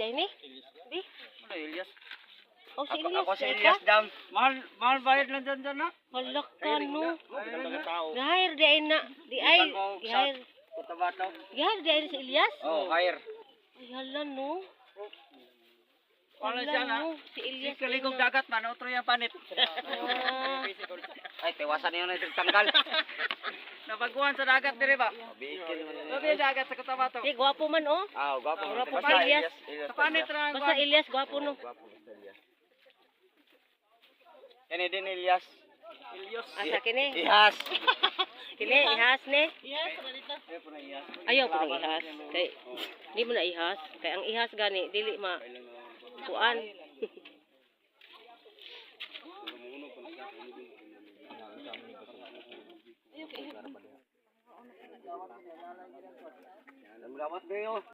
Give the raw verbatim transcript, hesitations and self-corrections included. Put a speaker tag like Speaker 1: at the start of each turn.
Speaker 1: dahil ni? Di?
Speaker 2: Ano, Elias?
Speaker 1: Oh, si
Speaker 2: Ako,
Speaker 1: Elias.
Speaker 2: ako si
Speaker 1: kay
Speaker 2: Elias
Speaker 1: ka?
Speaker 2: Dam. Mahal, mahal bayad lang dyan dyan, ha?
Speaker 1: Halak ka, no?
Speaker 2: Ayun na.
Speaker 1: Gahir, di ay na. Di ay.
Speaker 2: Ikan mo sa
Speaker 1: Gahir.
Speaker 2: Cotabato.
Speaker 1: Gahir, di ay si Elias?
Speaker 2: Oh, hire.
Speaker 1: Ay, hala, no?
Speaker 2: Wala
Speaker 1: Hala,
Speaker 2: siya na.
Speaker 1: no? Si Elias.
Speaker 2: Si kaligog
Speaker 1: na.
Speaker 2: dagat man, otro yung panit.
Speaker 1: Ah.
Speaker 2: Ay, tiwasan niyo na itong tanggal. Nabaguhan sa dagat, dire ba? Bikil man. Sabi yung dagat sa Cotabato.
Speaker 1: Di, gwapo man, oh.
Speaker 2: Ah, gwapo.
Speaker 1: Gwapo
Speaker 2: Basta
Speaker 1: pa, Elias.
Speaker 2: Sa panit na.
Speaker 1: Basta Elias, gwapo, no?
Speaker 2: Gwapo, basta Elias. Yan din Elias. Elias.
Speaker 1: Asa kini?
Speaker 2: Ihas.
Speaker 1: Kini, ihas, ne?
Speaker 2: Ihas, dito. Ay, po na ihas.
Speaker 1: Ayaw ko ng ihas. Kay, di mo na ihas. Kay ang ihas gani, dili ma. Kuan.
Speaker 2: Salamat kayo.